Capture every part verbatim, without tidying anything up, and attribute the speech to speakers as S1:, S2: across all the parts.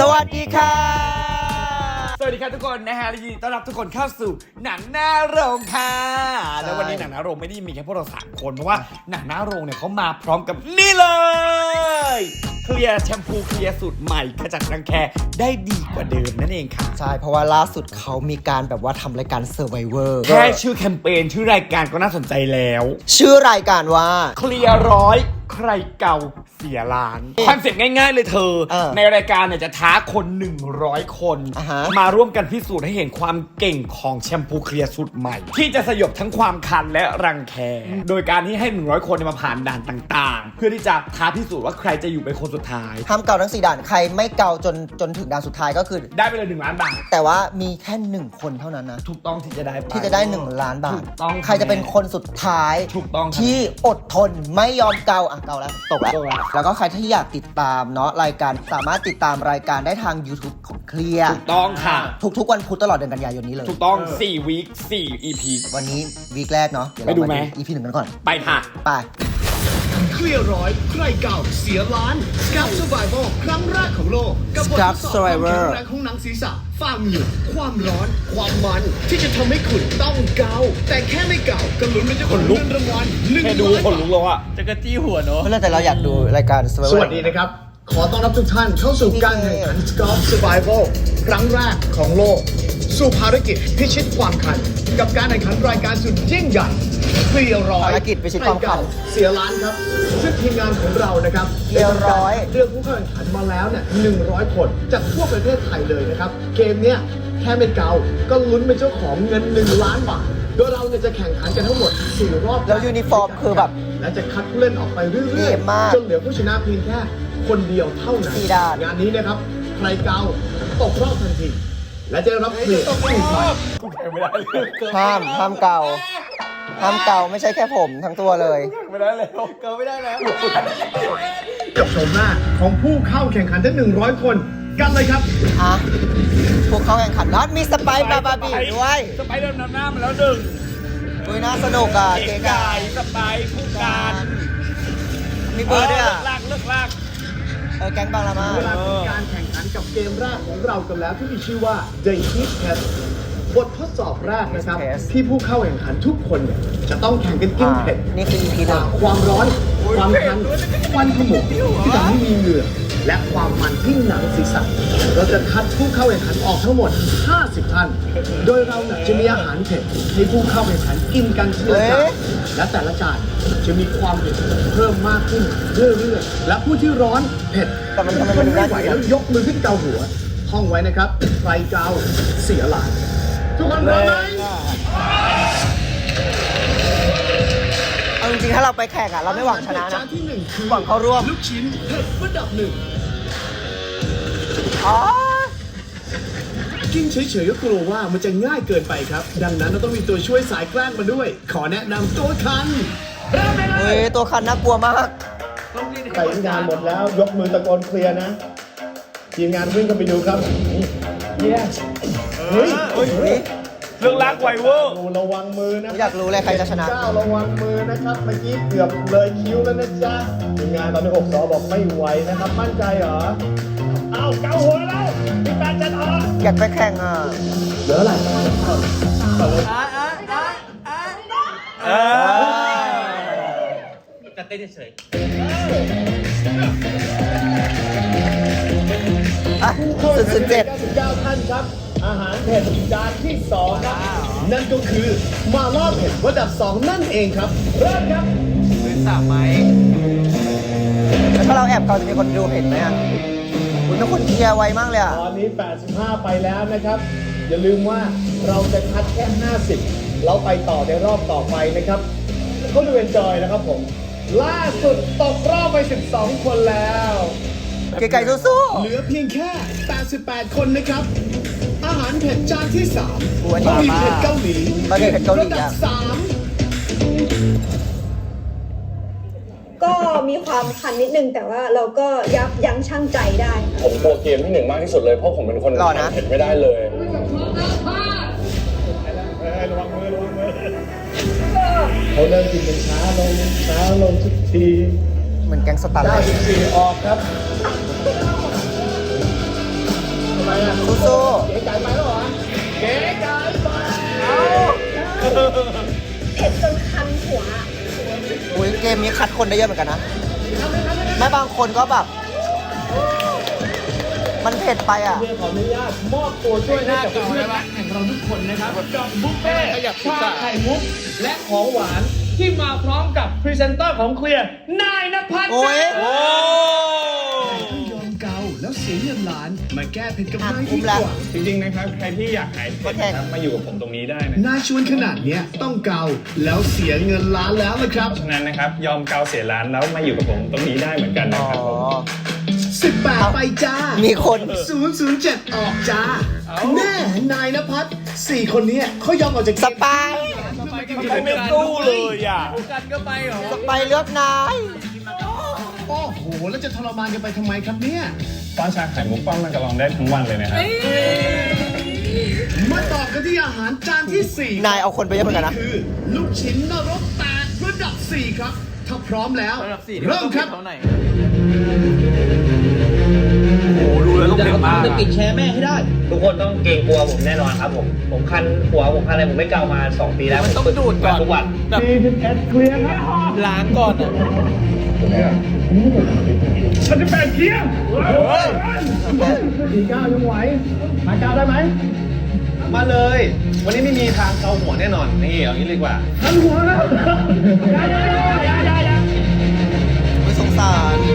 S1: วัสดีค่ะ
S2: สวัสดีครับทุกคนนะฮะยินดีต้อนรับทุกคนเข้าสู่หนังหน้าโรงค่ะแล้ววันนี้หนังหน้าโรงไม่ได้มีแค่พวกเราสามคนเพราะว่าหนังหน้าโรงเนี่ยเขามาพร้อมกับนี่เลยเคลียร์แชมพูเคลียร์สูตรใหม่ขจัดรังแคได้ดีกว่าเดิมนั่นเองค่ะ
S1: ใช่เพราะว่าล่าสุดเขามีการแบบว่าทำรายการ Survivor
S2: แค่ชื่อแคมเปญชื่อรายการก็น่าสนใจแล้ว
S1: ชื่อรายการว่า
S2: เคลียร์ร้อยใครเก่าเสียล้านคอนเซ็ปต์ง่ายๆเลยเธอในรายการเนี่ยจะท้าคนหนึ่งร้อยคนมาร่วมกันพิสูจน์ให้เห็นความเก่งของแชมพูเคลียร์สูตรใหม่ที่จะสยบทั้งความคันและรังแคโดยการที่ให้หนึ่งร้อยคนมาผ่านด่านต่างๆเพื่อที่จะท้าพิสูจน์ว่าใครจะอยู่เป็นคนสุดท้าย
S1: ห้ามเกาทั้งสี่ด่านใครไม่เกาจนจนถึงด่านสุดท้ายก็คือ
S2: ได้ไปเลยหนึ่งล้านบาท
S1: แต่ว่ามีแค่หนึ่งคนเท่านั้นนะ
S2: ถูกต้องที่จะได้
S1: ที่จะได้หนึ่งล้านบาท
S2: ถูกต้อง
S1: ใครจะเป็นคนสุดท้าย
S2: ถูกต้อง
S1: ที่อดทนไม่ยอมเกาอ่ะเกาแล้วตกแล้วแล้วก็ใครที่อยากติดตามเนาะรายการสามารถติดตามรายการได้ทาง YouTube ของเคลียร์
S2: ถูกต้องค่ะ
S1: ทุกๆวันพุธตลอดเดือนกันยายนนี้เลย
S2: ถูกต้องสี่วีคสี่ อี พี
S1: วันนี้วีคแรกเนาะ
S2: ไปดูไหม
S1: อี พี หนึ่งกันก่อน
S2: ไปค่ะ
S1: ไป
S3: เคลียร์ร้อยใครเก่าเสียล้านสครับ Survival ครั้งแรกของโลกกับบททดสอบความแข็งแรงของหนังศีรษะฝ่ามือความร้อนความมันที่จะทำให้คุณต้องเกาแต่แค่ไม่เกาก็ลุ้นไม่จะคนลุกเงินรางวัลหนึ่งล้าน
S2: คนลุกแล้วอะ
S3: จะกระจี้หัวเนาะ
S1: ไม่เลยแต่เราอยากดูรายการ Survivor
S3: สวัสดีนะครับขอต้อนรับทุกท่านเข้าสู่การแข่งขัน สครับ Survival ครั้งแรกของโลกสู่ภารกิจพิชิตความคันกับการแข่งขันรายการสุดยิ่งใหญ่เคลียร์ร้อย
S1: ภารกิจพิชิตความคัน
S3: เสียล้านครับซึ่งทีมงานของเรานะครับ
S1: เคลียร์ร้อย
S3: เลือกผู้เข้าแข่งขันมาแล้วเนี่ยหนึ่งร้อยคนจากทั่วประเทศไทยเลยนะครับเกมเนี้ยแค่ไม่เกาก็ลุ้นเป็นเจ้าของเงินหนึ่งล้านบาทโดยเราเนี่ยจะแข่งขันกันทั้งหมดสี่รอบ
S1: แล้วยูนิฟอร์มคือแบบ
S3: และจะคัดผู้เล่นออกไปเรื่อยๆจนเหลือผู้ชนะเพียงแค่คนเดียวเท่านั้นงานนี้นะครับใครเกาตกรอบทันทีและจะรับเคลียร์สี่พัน
S1: ห้ามห้ามเกาห้ามเกาไม่ใช่แค่ผมทั้งตัวเลย
S2: ไม่ได้แล้วเกาไม่ได้แล้ว
S3: กับชมหน้าของผู้เข้าแข่งขันทั้งหนึ่งร้อยคนกันเลยครับ
S1: อ่ะพวกเขาแข่งขันแล้วมีสไปร์บาบาบีด้วย
S2: สไปร์เดินนำหน้ามาแล้วหนึ่ง
S1: อุ้ยน่าสนุกอ่ะ
S2: เก๋ไก่สไปร์คู่การ
S1: มีเบอร์ด้วยอ่ะ
S2: ลากเลิกลาก
S1: เออแก๊งบางละมา
S3: เวลาเป็นการแข่งขันกับเกมแรกของเรากันแล้วที่มีชื่อว่า The Heat Test บททดสอบแรกนะครับที่ผู้เข้าแข่งขันทุกคนเนี่ยจะต้องแข่งกันกินเผ็ด
S1: นี่คือ อี พี หนึ่ง
S3: ความร้อนความคันควันขโมงที่ทำให้มีเหงื่อและความมันที่หนังศีรษะเราจะคัดผู้เข้าแข่งขันออกทั้งหมดห้าสิบท่านโดยเราจะมีอาหารเผ็ดให้ผู้เข้าแข่งขันกินกันทีละจานและแต่ละจานจะมีความเผ็ดเพิ่มมากขึ้นเรื่อยๆและผู้ที่ร้อนเผ็ด
S1: แต่มันทำไม
S3: มัน
S1: ไม่
S3: ไหวแล้วยกมือขึ้นเกาหัวท่องไว้นะครับใครเกาเสียล้านทุกคนพร้อมไหม
S1: เอาจริงๆถ้าเราไปแข่งอ่ะเราไม่หวังชนะนะหวังเข้าร่วม
S3: ลูกชิ้นเผ็ดระดับหนึ่ง
S1: อ๋อ
S3: กินเฉยๆก็กลัวว่ามันจะง่ายเกินไปครับดังนั้นเราต้องมีตัวช่วยสายแกล้งมาด้วยขอแนะนำตัวคัน
S1: เฮ้ยตัวคันน่ากลัวมาก
S3: ใส่งานหมดแล้วยกมือตะโกนเคลียร์นะทีมงานวิ่งกันไปดูครับเย้เฮ้ย
S2: เรื่องรักไวเวอร์
S3: ระวังมือนะ
S1: อยากรู้เลยใครจะชนะ
S3: เจ้าระวังมือนะครับเมื่อกี้เกือบเลยคิ้วแล้วนะจ๊ะทีมงานตอนนี้หกสอบอกไม่ไหวนะครับมั่นใจเหรอเอาเกาหัวแล้วมีแฟนจะออก
S1: อยากไปแข่งอ่ะ
S3: เหลืออะไรต่อเลย
S2: อ่ะอ่ะอ่ะอ่ะจะเต้นเฉย
S1: อ่ะสุดๆเจ็ด
S3: สิบเก้าท่านครับอาหารเผ็ดจานที่สองครับนั่นก็คือมาล่าเผ็ดระดับสองนั่นเองครับเริ่มครับ
S2: เป็นสามไหม
S1: แล้วถ้าเราแอบเกาจะมีคนดูเห็นไหมอ่ะคุณต้องคนเคลียร์ไวมากเลยอ่ะ
S3: ตอนนี้แปดสิบห้าไปแล้วนะครับอย่าลืมว่าเราจะคัดแค่ห้าสิบเราไปต่อในรอบต่อไปนะครับเขาดูเอนจอยนะครับผมล่าสุดตกรอบไปสิบสองคนแล้ว
S1: เก๋ไก่สู้
S3: ๆเหลือเพียงแค่แปดสิบแปดคนนะครับอาหารเผ็ดจานที่สามบะหมี่เผ็ดเกาหลีระดับสาม
S4: ก็มีความคันนิดนึงแต่ว่าเราก็ยับยั้งชั่งใจได้
S5: ผมโกรธเกมที่หนึ่งมากที่สุดเลยเพราะผมเป็นคนทานเผ็ดไม่ได้เลย
S3: ระวังมือระวังมือเขาเริ่มกินเป็นช้าลงช้าลงทุกที
S1: เหมือนแกงสตาร์
S3: เก้าสิบสี่ออกครับ
S1: มนี้คัดคนได้เยอะเหมือนกันนะแม้บางคนก็แบบ มันเผ็ดไปอ่ะ
S3: ขออนุญาตมอบตัวช่วยให้กับเพื่อนรักแห่งเราทุกคนนะครับกับบุฟเฟ่ชาไข่มุกและของหวานที่มาพร้อมกับพรีเซนเตอร์ของเคลียร์นายณภัทร
S1: โอ้ย
S3: โอ้ยอมเกาแล้วเสียเงินล้านมาแก้เผ็ดกับนายดีกว่า
S5: จริงๆนะครับใครที่อยากหายเผ็ดนะครับมาอยู่กับผมตรงนี้ได้นะ
S3: นายชวนขนาดเนี้ยต้องเกาแล้วเสียเงินล้านแล้วนะครับ
S5: ฉะนั้นนะครับยอมเกาเสียร้านแล้วมาอยู่กับผมตรงนี้ได้เหมือนกันนะ
S1: อ๋อ
S5: ครับผม
S3: สิบแปดไปจ้า
S1: มีคน
S3: ศูนย์ ศูนย์ เจ็ด ออกจ้าแน่นายณภัทรสี่คนเนี้ยเขายอมออกจากเก
S1: ส
S3: ม
S1: ปาย
S2: เขาไม่สู้เลยอ่ะ
S1: สปายเลือกนาย
S3: โอ้โห แล้วจะทรมานกันไปทำไมครับเนี่ย
S5: ป้อนชาไข่มุกป้อนมันกระลองได้ทั้งวันเลยนะครับ
S3: มาต่อกันที่อาหารจานที่สี่
S1: นายเอาคนไปเยอะเหมือนกันนะ
S3: คือลูกชิ้นนรกแตกระดับสี่ครับ ถ้าพร้อมแล้ว เริ่มครับ
S2: โอ้ดูแล้วต้องเผ็ดมาก
S6: จะกินแชร์แม่ให้ได้ ทุกคนต้องเกรงกลัวผมแน่นอนครับผม ผมคันหัวผมคันอะไรผมไม่เกามาสองปีแล้ว
S2: มันต้องดูดก่อน
S6: ทุกวัน
S2: แบบ
S3: เคลียร์ครับ
S2: ล้างก่อนอ่ะ
S3: มันจะแปดเคียงสี่เก้ายังไหวหาเก้าได้ไหม
S6: มาเลย วันนี้ไม่มีทางเกาหัวแน่นอน นี่เอางี้ดีกว่า
S3: ทันหัวแล้วยายายายายา
S1: ไม่สงสาร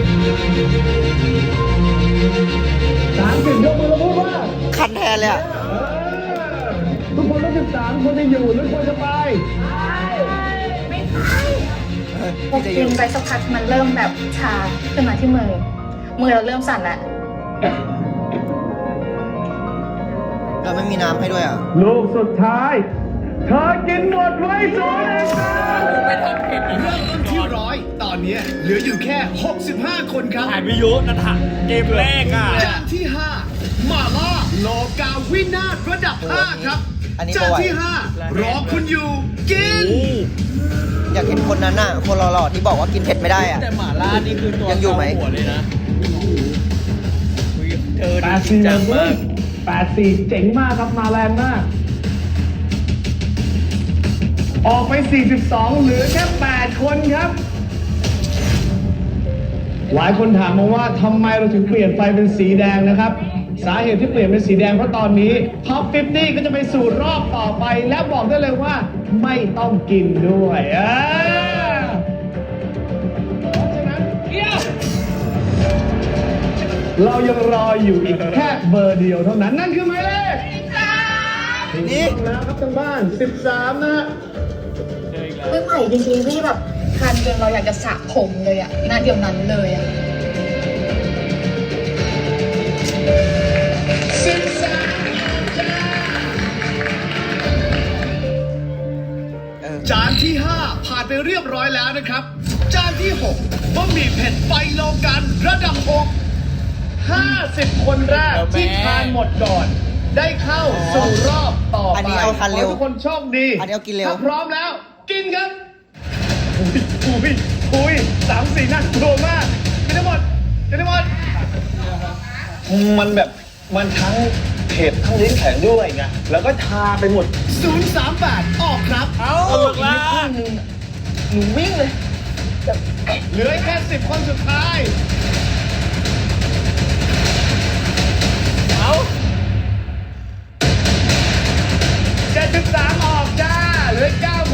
S3: สามสิบยกมือแล้วพูดว่า
S1: คันแทนเลยอ่ะ
S3: ทุกคนต้องสิบสามคนจะอยู่หรือควรจะไป
S7: พอกินไปสักพักมันเริ่มแบบชาขึ้นมาที่มือ มือเราเริ่มสั่นแล้ว
S1: เราไม่มีน้ำให้ด้วยอ่ะ
S3: ลูกสุดท้าย เธอกินหมดไว้สองเองเริ่มต้นที่ร้อยตอนนี้เหลืออยู่แค่หกสิบห้าคนครับ
S2: หายไปเยอะนะท่ะเกมแรกอ่ะ
S3: จานที่ห้ามาล่าโลกาวินาศระดับห้าครับ
S1: อันนี้
S3: จาน
S1: ก็ไหว
S3: ที่ห้ารอคุณอยู่กิน
S1: อยากเห็นคนนั้นน่ะ คนหล่อๆที่บอกว่ากินเผ็ดไม่ได้อ่ะ
S2: แต่หม่าล่านี่คือตัว
S1: ยังอยู่ไหม
S2: หัวเลยนะเธอ
S3: แป
S2: ดี
S3: ดสี่
S2: จังมาก
S3: แปดสี่เจ๋งมากครับมาแรงมาก ออกไปสี่สิบสองเหลือแค่แปดคนครับ หลายคนถามมาว่าทำไมเราถึงเปลี่ยนไฟเป็นสีแดงนะครับ สาเหตุที่เปลี่ยนเป็นสีแดงเพราะตอนนี้ท็อปห้าสิบก็จะไปสู่รอบต่อไป และบอกได้เลยว่าไม่ต้องกินด้วยเออเพราะฉะนั้นเกี่ยวเรายังรออยู่อีกแค่เบอร์เดียวเท่านั้น นั่นคือหมายเลข
S1: นี่
S3: แล้วครับทางบ้านสิบสามนะฮะ
S7: ไม่ไหวจริงๆที่แบบคันจนเราอยากจะสระผมเลยอะหน้าเดียวนั้นเลยอะ
S3: สิบสาม
S1: เออ
S3: จานที่ห้าผ่านไปเรียบร้อยแล้วนะครับ จานที่หกบะหมี่เผ็ดไฟโลกันระดับหก ห้าสิบคนแรกที่ทานหมดก่อน ได้เข้าสู่รอบต่อไป
S1: อันนี้เอาทานเร็ว
S3: ขอให้ทุกคนโชคดี
S1: อันนี้เอากินเร็ว
S3: ถ้าพร้อมแล้ว กินครับอุ้ยอุ้ยสามสี่น่ากลัวมากกินได้หมดกินได้หมด
S6: มันแบบมันทั้งเผ็ดทั้งลิ้นแข็งด้วยไง แล้วก็ชาไปหมด
S3: ศูนย์สามแปดออกครับ
S2: เอ้าล่ะ
S6: หนูวิ่งเลย
S3: เหลือแค่สิบคนสุดท้าย
S2: เอ้า
S3: เจ็ดสิบสามออกจ้า เหลือเก้าคน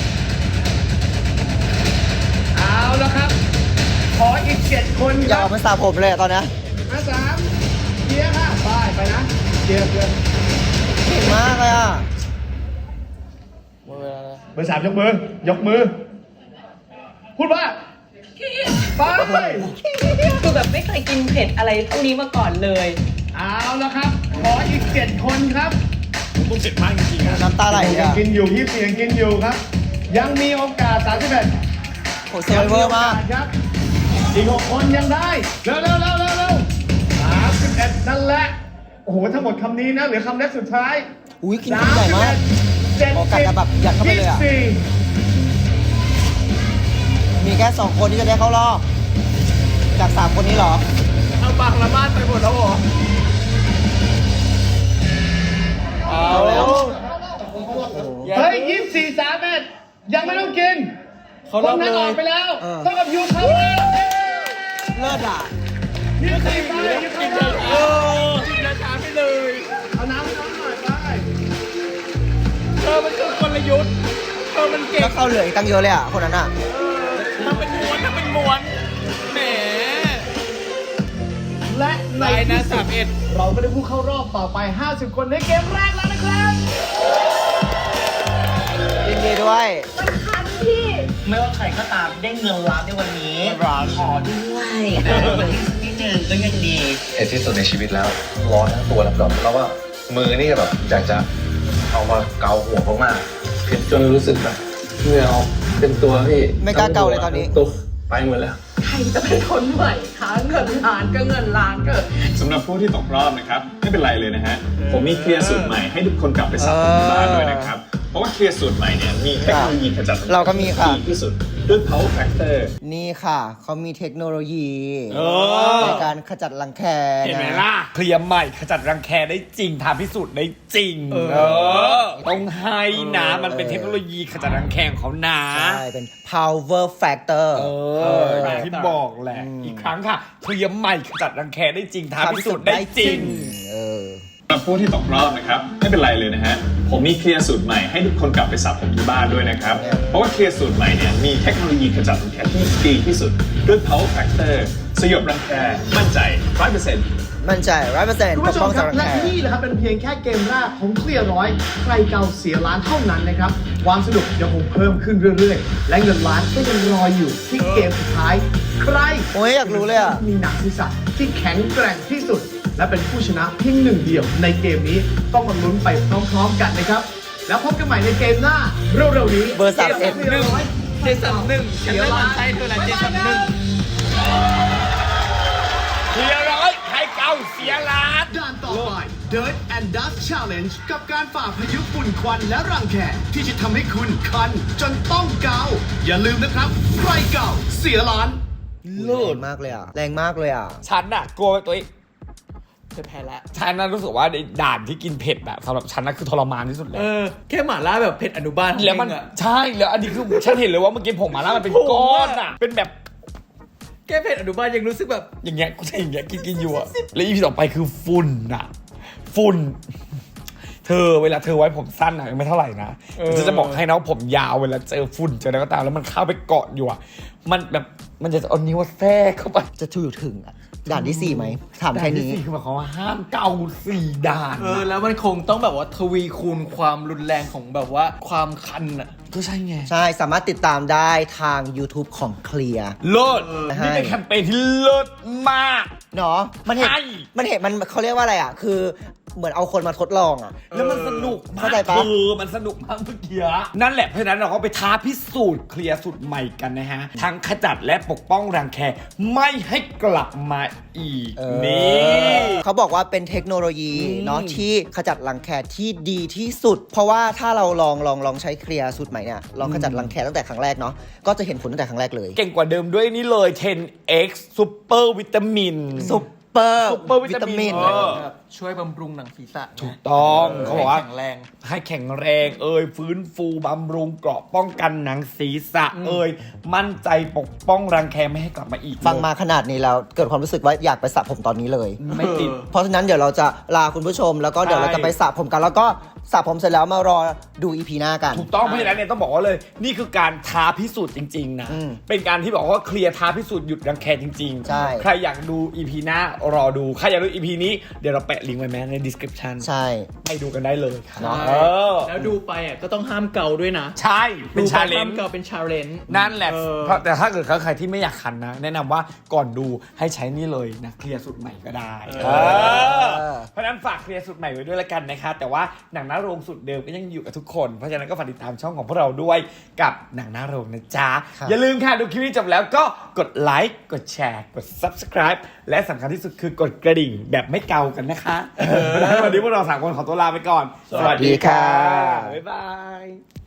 S3: เอาแล้วครับ ขออีกเจ็ดคนค
S1: อยาก
S3: รับ
S1: เอาไปสระผมเลยอะตอนเนี้ย
S3: มาสามเกียร์ค่ะไปไปนะเกียร์เกียร์
S1: เก่งมากเลยอ่ะ
S3: เบอร์สามยกมือ ยกมือ พูดว่าไป
S8: คือแบบไม่เคยกินเผ็ดอะไรเท่านี้มาก่อนเลย
S3: เอาแล้วครับ ขออีกเจ็ดคนครับ
S2: มึงเจ็บมากจริงๆอ่ะ
S1: น้ำตาไหลเลย
S3: ยัง
S1: อ่ะ
S3: กินอยู่ยี่สิบสี่ยังกินอยู่ครับ ยังมีโอกาสสามสิบเอ็ด
S1: โหเซอร์ไวเวอร์มาก
S3: ครับ อีกหกคนยังได้ เร็วเร็วเร็วเร็วเร็วสามสิบเอ็ดนั่นแหละ โอ้โห ทั้งหมดคำนี้นะ เหลือคำแรกสุดท้าย
S1: อุ้ยกินคำใหญ่มาก
S3: เจ็ด
S1: โอกาสจะแบบยัดเข้าไปเลยอะ
S3: ยี่สิบสี่
S1: มีแค่สองคนที่จะได้เข้ารอบ จากสามคนนี้เหรอ
S2: เอาบางละมาดไปหมดแล้วเหรอเอา
S1: เอาแล้ว
S3: เฮ้ยยี่สิบสี่สามเอ็ดยังไม่ต้องกิน
S2: เขา
S3: พ
S2: ร
S3: ว
S2: อก บ
S3: นั้น
S2: เล
S3: ออย กไปแล้ว
S1: เออ
S3: เท่ากับยูเขาแล้ว
S1: เลิศอ่ะ
S3: นี่ใครไปยูเขาแล้ว
S2: เออกินราคาไปเลย
S3: เอาน้ำน้ำหน่อยไป
S2: เธอมันคือกลยุทธ์เธอมันเก่ง
S1: แล้วเขาเหลืออีกตั้งเยอะเลยอ่ะ คนนั้นอ่ะ
S2: ทำเป็นม้วนทำเป็นม้วนแหม
S3: และใน
S2: ไปนะ
S3: ที่สุ
S2: สา
S3: ด
S2: มเอ็ด
S3: เราก็ได้ผู้เข้ารอบต่อไป ห้าสิบ คนในเกมแรกแล้วนะครับ
S1: ยินดีด้วย
S4: คันที่
S9: ไม่ว่าใครก็ตามได้เงินล้านในวันนี้
S1: ร้าน
S9: ขอด้วยเออนิดนึงก็ยังดี
S5: เห็นที่สุดในชีวิตแล้ว ร้อนทั้งตัวแล้วแบบแล้วว่ามือนี่แบบอยากจะเอามาเกาหัวมากๆเผ็ดจนรู้สึกแบบเหงื่อออกเป็นตัวพี่
S1: ไม่กล้าเกาเลยตอนนี้
S5: ตุ๊บไปหมดแล้ว
S8: ใครจะเป็นคนไหวคะเงินล้านก็เงินล้านเกิด
S10: สำหรับผู้ที่ตกรอบนะครับไม่เป็นไรเลยนะฮะผมมีเคลียร์สูตรใหม่ให้ทุกคนกลับไปสับที่บ้านด้วยนะครับเพราะว่าเคลียร์สูตรใหม่เนี่ยมีเทคโนโลยีขจัดมลพิษ
S1: เราก็มีค่ะ
S10: ดีที่สุดด้วย power factor
S1: นี่ค่ะ เขามีเทคโนโลยี
S2: เออ
S1: ในการขจัดรังแค
S2: เห็นไหม
S1: นะ
S2: ล่ะ เคลียร์ใหม่ขจัดรังแคได้จริงทำพิสูจน์ได้จริง เออ ต้องให้นะมันเป็นเทคโนโลยีขจัดรังแคของเขานะ
S1: ใช่ เป็น power factor
S2: เอออย่างที่บอกแหละ อีกครั้งค่ะ เคลียร์ใหม่ขจัดรังแคได้จริงทำพิสูจน์ได้จริง
S1: เออ
S10: สำหรับผู้ที่ตกรอบนะครับไม่เป็นไรเลยนะฮะผมมีเคลียร์สูตรใหม่ให้ทุกคนกลับไปสับผมที่บ้านด้วยนะครับเพราะว่าเคลียร์สูตรใหม่เนี่ยมีเทคโนโลยีขจัดรังแคที่ดีที่สุดด้วย power factor สยบรังแคมั่นใจ ร้อยเปอร์เซ็นต์
S1: มั่นใจร้อยเปอร์เซ็นต์
S3: คุณ
S1: ป
S3: ผู้
S1: ก
S3: ช
S1: ป้
S3: ม
S1: อง
S3: ครั
S1: จาก
S3: บ
S1: รัง
S3: และ
S1: แค
S3: นี่นะครับเป็นเพียงแค่เกมแรกของเคลียร์ร้อยใครเก่าเสียล้านเท่านั้นนะครับความสนุกยังคงเพิ่มขึ้นเรื่อยๆ และเงินล้านก็ยังรออยู่ที่เกมสุดท้าย ใคร
S1: โอ้ยอยากรู้เลยอ่ะ
S3: มีหนังศีรษะที่แข็งแกร่งที่สุด และเป็นผู้ชนะเพียงหนึ่งเดียวในเกมนี้ต้องมาลุ้นไปพร้อมๆกันนะครับ แล้วพบกันใหม่ในเกมหน้าเร็วๆนี้
S1: เบอร์สามเอ็ด
S3: กมร้อย
S2: เจสันหนึ่งฉันไม่มั่นใจเธอละเจสันหนึ่งเคลียร์ร้อยใครเก่าเสียล้าน
S3: ด่านต่อไป Dirt and Dust Challenge กับการฝ่าพายุฝุ่นควันและรังแคที่จะทำให้คุณคันจนต้องเกา อย่าลืมนะครับ ใครเก่าเสียล้าน
S1: แรงมากเลยอ่ะ แรงมากเลยอ่ะ
S2: ฉันน่ะกลัวตัวเองจะแพ้แล้วฉันน่ะรู้สึกว่าในด่านที่กินเผ็ดแบบสำหรับฉันน่ะคือทรมานที่สุดเลย
S11: เออแค่หม่าล่าแบบเผ็ดอนุบาล
S2: แล้วมัน
S11: เองอะ
S2: ใช่แล้วอันนี้คือฉันเห็นเลยว่าเมื่อกี้ผมมาแล้วมันเป็นก้อนอ่ะ เป็นแบบ
S11: แค่เผ็ดอนุบาลยังรู้สึกแบบ
S2: อย่างเงี้ยกูจะอย่างเงี้ยกินกินอยู่อะแล้วอีพีต่อไปคือฝุ่นอ่ะ ฝุ่น เธอเวลาเธอไว้ผมสั้นอะไม่เท่าไหร่นะจะจะบอกให้นะว่าผมยาวเวลาเจอฝุ่นเจออะไรก็ตามแล้วมันเข้าไปเกาะอยู่อะมันแบบมันจะเอานิ้วแทรกเข้าไป
S1: จะถูกถึงอ่ะ ด่านที่สี่ไหม ถามแค่
S2: ด่านที่
S1: นี้
S2: สี่คือหมายความว่าห้ามเกาสี่ด่าน
S11: เออแล้วมันคงต้องแบบว่าทวีคูณความรุนแรงของแบบว่าความคันอ่ะ
S2: ก็ใช่ไง
S1: ใช่ สามารถติดตามได้ทาง YouTube ของเคลียร์
S2: เลิศ
S1: ใช่
S2: นี่เป็นแคมเปญที่เลิศมาก
S1: เนาะมันเห็น
S2: ใช่
S1: มันเห็นมันเขาเรียกว่าอะไรอ่ะ คือเหมือนเอาคนมาทดลองอ่ะ
S2: แล้วมันสนุกมาก
S1: เข้าใจปะ
S2: เออมันสนุกมากเมื่อกี้นั่นแหละเพราะฉะนั้นเราก็ไปท้าพิสูจน์เคลียร์สูตรใหม่กันนะฮะ ทั้งขจัดและปกป้องรังแคไม่ให้กลับมาอีก
S1: เออ
S2: นี่
S1: เขาบอกว่าเป็นเทคโนโลยีเนาะที่ขจัดรังแคที่ดีที่สุด เพราะว่าถ้าเราลองลองลองใช้เคลียร์สูตรใหม่เนี่ยลองขจัดรังแคตั้งแต่ครั้งแรกเนาะก็จะเห็นผลตั้งแต่ครั้งแรกเลย
S2: เก่งกว่าเดิมด้วยนี่เลย เท็น เอ็กซ์ Super วิตามิน
S1: ซุปเปอร์
S2: Super วิตามิน
S1: เออ
S11: แบบช่วยบำรุงหนังศีรษะ
S2: ถูกต้อง
S11: เออ
S2: เขาบอกว่า
S11: ให้แข็งแรง
S2: ให้แข็งแรงเอ่ยฟื้นฟูบำรุงเกราะป้องกันหนังศีรษะเอ่ยมั่นใจปกป้องรังแคไม่ให้กลับมาอีก
S1: ฟังมาขนาดนี้แล้วเกิดความรู้สึกว่าอยากไปสระผมตอนนี้เลย
S2: ไม่ติด
S1: เพราะฉะนั้นเดี๋ยวเราจะลาคุณผู้ชม แล้วก็เดี๋ยวเราจะไปสระผมกัน แล้วก็สระผมเสร็จแล้วมารอดูอีพีหน้ากัน
S2: ถูกต้องเพราะฉะนั้นเนี่ยต้องบอกว่าเลย นี่คือการท้าพิสูจน์จริงๆนะ
S1: อืม
S2: เป็นการที่บอกว่าเคลียร์ท้าพิสูจน์หยุดรังแคจริงๆ
S1: ใช่
S2: ใครอยากดู อี พี หน้ารอดูใครอยากดู อี พี นี้เดี๋ยวเราแปะลิงก์ไว้แม้ใน description
S1: ใช่
S2: ไปดูกันได้เลยครับ
S1: เนาะ
S2: เออ
S11: แล้วดูไปอ่ะก็ต้องห้ามเกาด้วยนะ
S2: ใช่เป็น
S11: ดูไป
S2: ชาเล
S11: ห้าน ม
S2: จ์
S11: เกาเป็นชาเลนจ์
S2: นั่นแหละ
S11: เออ
S2: เพราะแต่ถ้าเกิดใครที่ไม่อยากคันนะ แนะนำว่าก่อนดูให้ใช้นี่เลยนะเคลียร์สูตรใหม่ก็ได้เออเพราะฉะนั้นฝากเคลียร์สูตรใหม่ไว้ด้วยละกันนะคะแต่ว่าหนังหน้าโรงสูตรเดิมก็ยังอยู่กับทุกคนเพราะฉะนั้นก็ฝากติดตามช่องของพวกเราด้วยกับหนังหน้าโรงนะจ๊ะ
S1: ครับ
S2: อย่าลืมค่ะดูคลิปนี้จบแล้วก็กดไลค์กดแชร์กด subscribe และสำคัญที่สุดคือกดกระดิ่งแบบไม่เกากันนะคะวันนี้พวกเราสามคนขอตัวลาไปก่อน
S1: สวัสดีค่ะ
S2: บ๊ายบาย